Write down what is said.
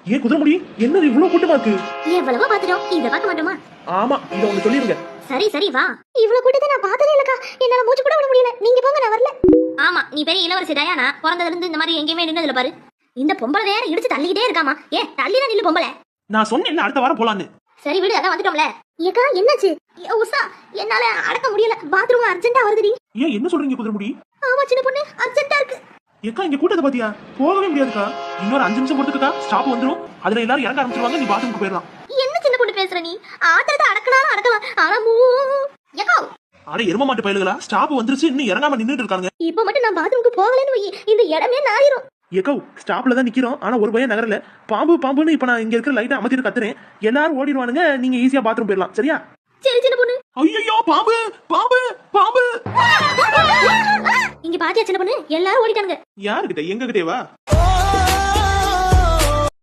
ஏன் குதிரைமுடி என்னது இவ்வளவு கூட்டமா இருக்கு? எவ்வளவோ பாத்துட்டோம், இத பார்க்க மாட்டோமா? ஆமா, இத ஒண்ணு சொல்லிருங்க. சரி சரி வா. இவ்வளவு கூட்டத்தை நான் பார்த்ததே இல்லக்கா. என்னால மூச்சு கூட விட முடியல. நீங்க போங்க, நான் வரல. ஆமா, நீ பெரிய இளவரசி டயானா. பிறந்ததுல இருந்து இந்த மாதிரி எங்கேயுமே நின்னதுல பாரு. இந்த பொம்பளை வேற இடிச்சு தள்ளிக்கிட்டே இருக்காமா. ஏ தள்ளினா நில்லு பொம்பளை. நான் சொன்னேன்ல அடுத்த வாரம் போலான்னு. சரி விடு, அதான் வந்துட்டோம்ல. ஏக்கா என்னாச்சு? உஷா, என்னால அடக்க முடியல. பாத்ரூம் அர்ஜென்ட்டா வருதுடி. ஏன் என்ன சொல்றீங்க குதிரைமுடி? ஆமா சின்ன பொண்ணு, அர்ஜென்ட்டா இருக்கு. ஏக்கா இங்க கூட்டத்தை பாத்தியா? போகவே முடியாதுக்கா. இன்னொரு 5 நிமிஷம் பொறுத்துக்கா ஸ்டாப் வந்துரும். அதுல எல்லாரும் இறங்க ஆரம்பிச்சிருவாங்க. நீ பாத்ரூமுக்கு போயிடலாம். என்ன சின்ன பொண்ணு பேசுற நீ? ஆத்திரத்தை அடக்கலாம் அடக்கலாம். ஆனா ஏக்கா அட எரும மாட்டு பயலுகளா, ஸ்டாப் வந்துருச்சு, இன்னும் இறங்காம நின்னுட்டு இருக்காங்க. இப்ப மட்டும் நான் பாத்ரூமுக்கு போகலன்னு வை, இந்த இடமே நாயிரும். ஏக்கோ ஸ்டாப்ல தான் நிக்கிறோம். ஆனா ஒரு பையன் நகரல. பாம்பு பாம்புன்னு இப்ப நான் இங்க இருக்கிற லைட்டை அமர்த்திட்டு கத்துறேன். எல்லாரும் ஓடிடுவானுங்க. நீங்க ஈஸியா பாத்ரூம் போயிடலாம். சரியா? சரி சின்ன பொண்ணு. ஐயோ பாம்பு பாம்பு பாம்பு! இங்க பாத்தியா சின்ன பொண்ணு, எல்லாரும் ஓடிட்டானுங்க. யாருக்கிட்ட? எங்க கிட்டேவா?